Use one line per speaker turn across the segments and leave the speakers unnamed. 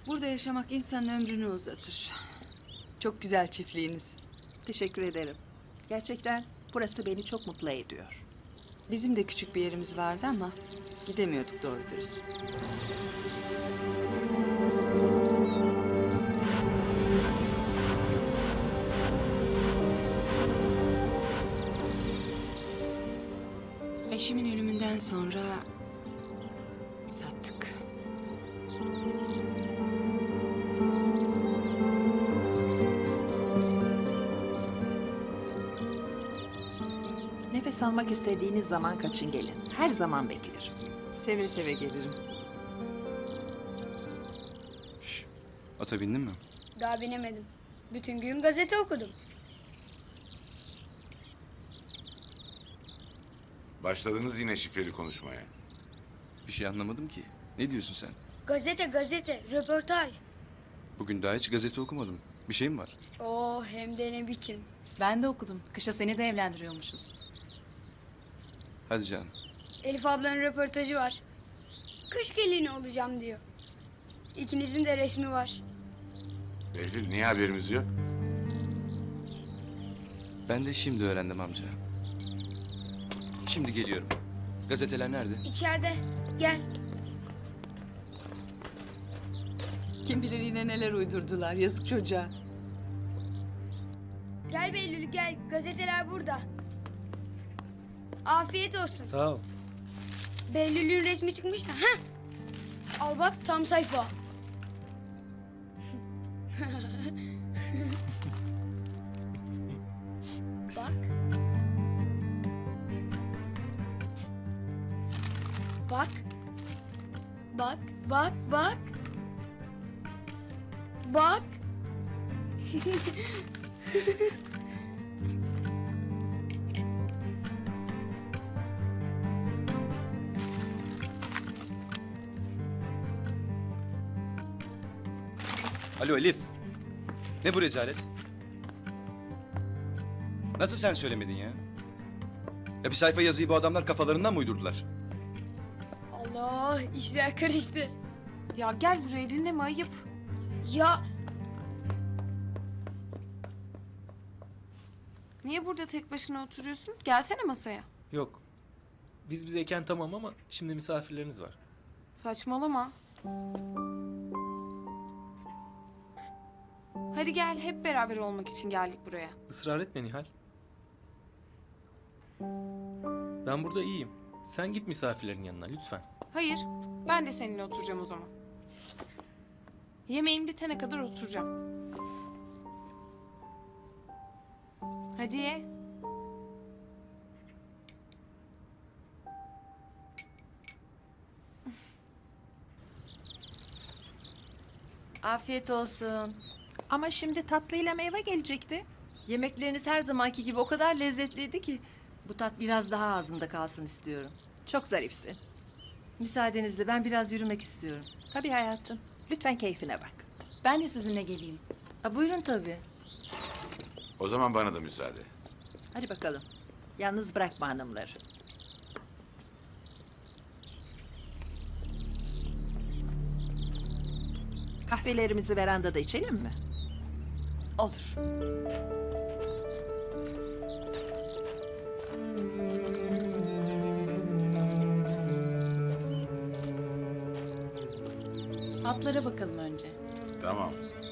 Burada yaşamak insanın ömrünü uzatır. Çok güzel çiftliğiniz.
Teşekkür ederim. Gerçekten burası beni çok mutlu ediyor.
Bizim de küçük bir yerimiz vardı ama gidemiyorduk doğru dürüst. Eşimin ölümünden sonra sattık.
Nefes almak istediğiniz zaman kaçın gelin. Her zaman beklerim.
Seve seve gelirim.
Ata bindin mi?
Daha binemedim. Bütün gün gazete okudum.
Başladınız yine şifreli konuşmaya.
Bir şey anlamadım ki. Ne diyorsun sen?
Gazete, röportaj.
Bugün daha hiç gazete okumadım. Bir şey mi var?
Oo hem de ne biçim.
Ben de okudum. Kışa seni de evlendiriyormuşuz.
Hadi canım.
Elif ablanın röportajı var. Kış gelini olacağım diyor. İkinizin de resmi var.
Behlül niye haberimiz yok?
Ben de şimdi öğrendim amca. Şimdi geliyorum. Gazeteler nerede?
İçeride. Gel.
Kim bilir yine neler uydurdular yazık çocuğa.
Gel Behlül gel. Gazeteler burada. Afiyet olsun.
Sağ ol.
Behlül'ün resmi çıkmış da. Heh. Al bak tam sayfa. Bak. Bak. Bak, bak, bak. Bak.
Alo Elif. Ne bu rezalet? Nasıl sen söylemedin ya? Ya bir sayfa yazıyı bu adamlar kafalarından mı uydurdular?
Allah, işler karıştı.
Ya gel buraya dinleme ayıp.
Ya
Niye burada tek başına oturuyorsun? Gelsene masaya.
Yok. Biz bizeyken tamam ama şimdi misafirleriniz var.
Saçmalama. Hadi gel hep beraber olmak için geldik buraya.
Israr etme Nihal. Ben burada iyiyim. Sen git misafirlerin yanına lütfen.
Hayır, ben de seninle oturacağım o zaman. Yemeğim bitene kadar oturacağım. Hadi ye.
Afiyet olsun.
Ama şimdi tatlıyla meyve gelecekti.
Yemekleriniz her zamanki gibi o kadar lezzetliydi ki bu tat biraz daha ağzımda kalsın istiyorum.
Çok zarifsin.
Müsaadenizle ben biraz yürümek istiyorum.
Tabii hayatım. Lütfen keyfine bak.
Ben de sizinle geleyim.
Buyurun tabii.
O zaman bana da müsaade.
Hadi bakalım. Yalnız bırakma hanımları. Kahvelerimizi verandada içelim mi?
Olur.
Atlara bakalım önce.
Tamam.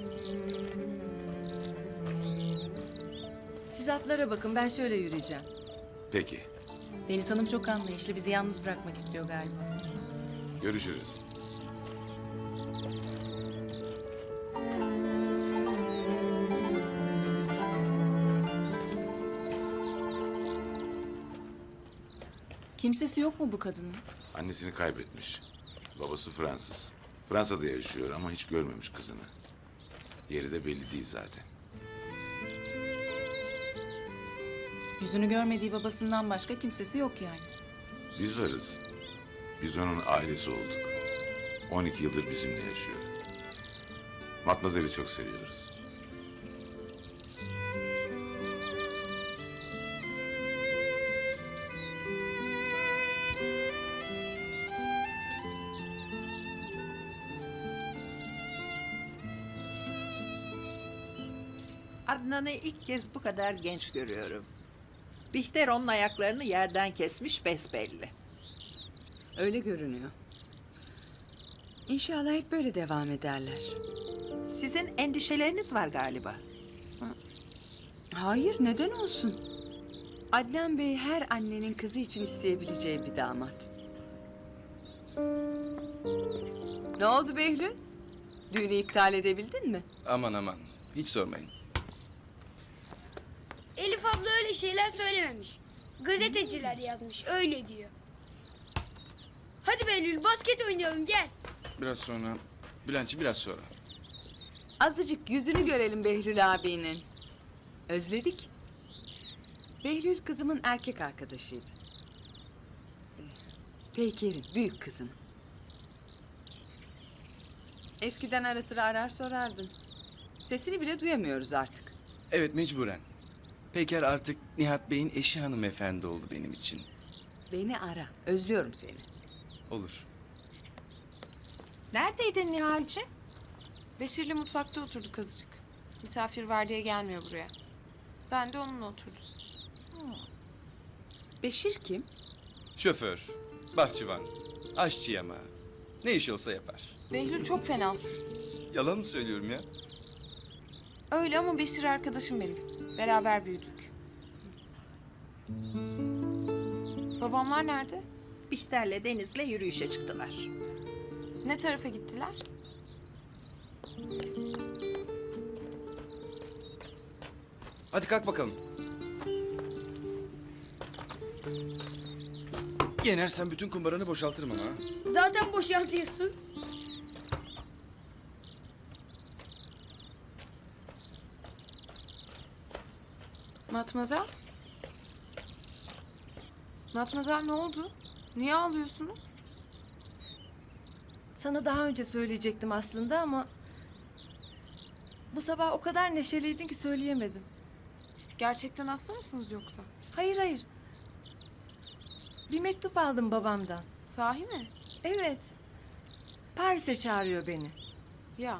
Siz atlara bakın, ben şöyle yürüyeceğim.
Peki.
Deniz Hanım çok anlayışlı. Bizi yalnız bırakmak istiyor galiba.
Görüşürüz.
Kimsesi yok mu bu kadının?
Annesini kaybetmiş. Babası Fransız. Fransa'da yaşıyor ama hiç görmemiş kızını. Yeri de belli değil zaten.
Yüzünü görmediği babasından başka kimsesi yok yani.
Biz varız. Biz onun ailesi olduk. 12 yıldır bizimle yaşıyor. Matmazel'i çok seviyoruz.
Adnan'ı ilk kez bu kadar genç görüyorum. Bihter onun ayaklarını yerden kesmiş besbelli.
Öyle görünüyor. İnşallah hep böyle devam ederler.
Sizin endişeleriniz var galiba.
Hayır, neden olsun? Adnan Bey her annenin kızı için isteyebileceği bir damat. Ne oldu Behlül? Düğünü iptal edebildin mi?
Aman aman. Hiç sormayın.
Elif abla öyle şeyler söylememiş. Gazeteciler yazmış öyle diyor. Hadi Behlül basket oynayalım gel.
Biraz sonra. Bülentçi biraz sonra.
Azıcık yüzünü görelim Behlül abinin. Özledik. Behlül kızımın erkek arkadaşıydı. Peyker'in büyük kızın. Eskiden ara sıra arar sorardın. Sesini bile duyamıyoruz artık.
Evet, mecburen. Peyker artık Nihat Bey'in eşi hanımefendi oldu benim için.
Beni ara. Özlüyorum seni.
Olur.
Neredeydin Nihal'ciğim?
Beşir'le mutfakta oturduk azıcık. Misafir var diye gelmiyor buraya. Ben de onunla oturdum.
Beşir kim?
Şoför, bahçıvan, aşçı yama. Ne iş olsa yapar.
Behlül çok fenasın.
Yalan mı söylüyorum ya?
Öyle ama Beşir arkadaşım benim. Beraber büyüdük. Babamlar nerede?
Bihter'le Deniz'le yürüyüşe çıktılar.
Ne tarafa gittiler?
Hadi kalk bakalım. Yenersen bütün kumbaranı boşaltırım ama. Ha?
Zaten boşaltıyorsun.
Matmazel? Matmazel ne oldu? Niye ağlıyorsunuz?
Sana daha önce söyleyecektim aslında ama... Bu sabah o kadar neşeliydin ki söyleyemedim.
Gerçekten hasta mısınız yoksa?
Hayır hayır. Bir mektup aldım babamdan.
Sahi mi?
Evet. Paris'e çağırıyor beni.
Ya.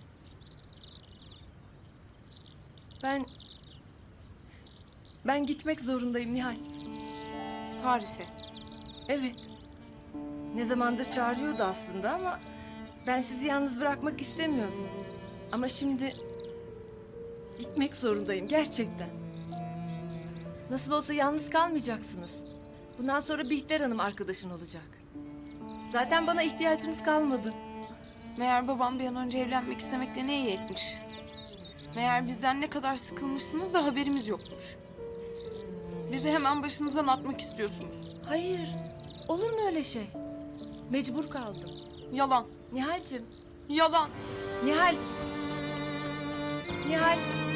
Ben gitmek zorundayım Nihal.
Paris'e.
Evet. Ne zamandır çağırıyordu aslında ama ben sizi yalnız bırakmak istemiyordum. Ama şimdi gitmek zorundayım gerçekten. Nasıl olsa yalnız kalmayacaksınız. Bundan sonra Bihter Hanım arkadaşın olacak. Zaten bana ihtiyacınız kalmadı.
Meğer babam bir an önce evlenmek istemekle ne iyi etmiş. Meğer bizden ne kadar sıkılmışsınız da haberimiz yokmuş. Bizi hemen başınızdan atmak istiyorsunuz.
Hayır. Olur mu öyle şey? Mecbur kaldım.
Yalan.
Nihal'cim.
Yalan.
Nihal. Nihal.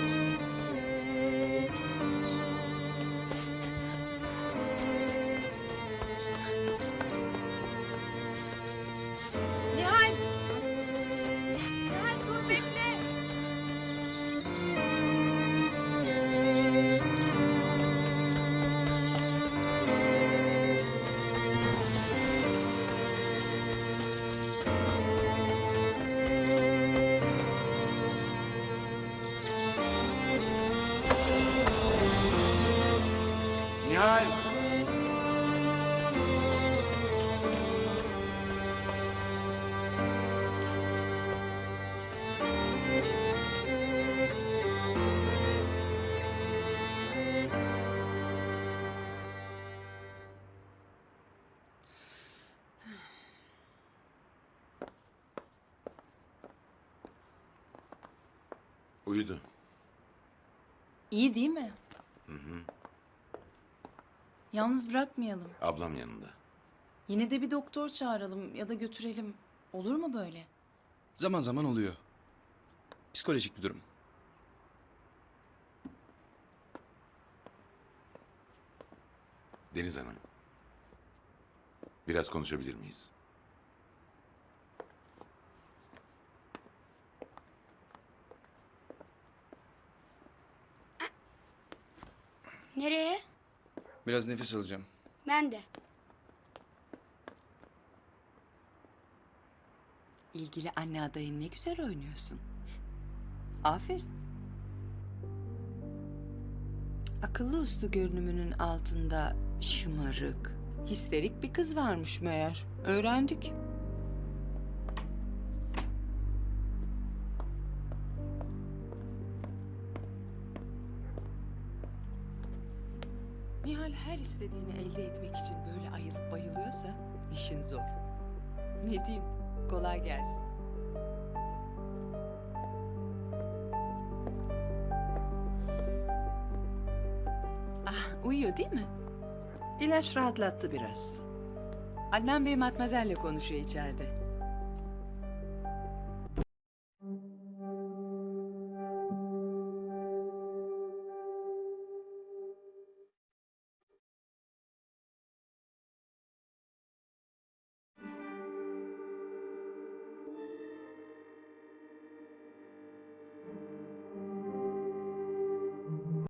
Nihal. Nihal dur bekle.
Nihal! Uyudu.
İyi değil mi? Yalnız bırakmayalım.
Ablam yanında.
Yine de bir doktor çağıralım ya da götürelim. Olur mu böyle?
Zaman zaman oluyor. Psikolojik bir durum.
Deniz Hanım. Biraz konuşabilir miyiz?
Nereye?
Biraz nefes alacağım.
Ben de.
İlgili anne adayını ne güzel oynuyorsun. Aferin. Akıllı uslu görünümünün altında şımarık, histerik bir kız varmış meğer. Öğrendik. Nihal her istediğini elde etmek için böyle ayılıp bayılıyorsa işin zor. Ne diyeyim? Kolay gelsin. Ah, uyuyor değil mi?
İlaç rahatlattı biraz.
Adnan Bey Matmazel'le konuşuyor içeride.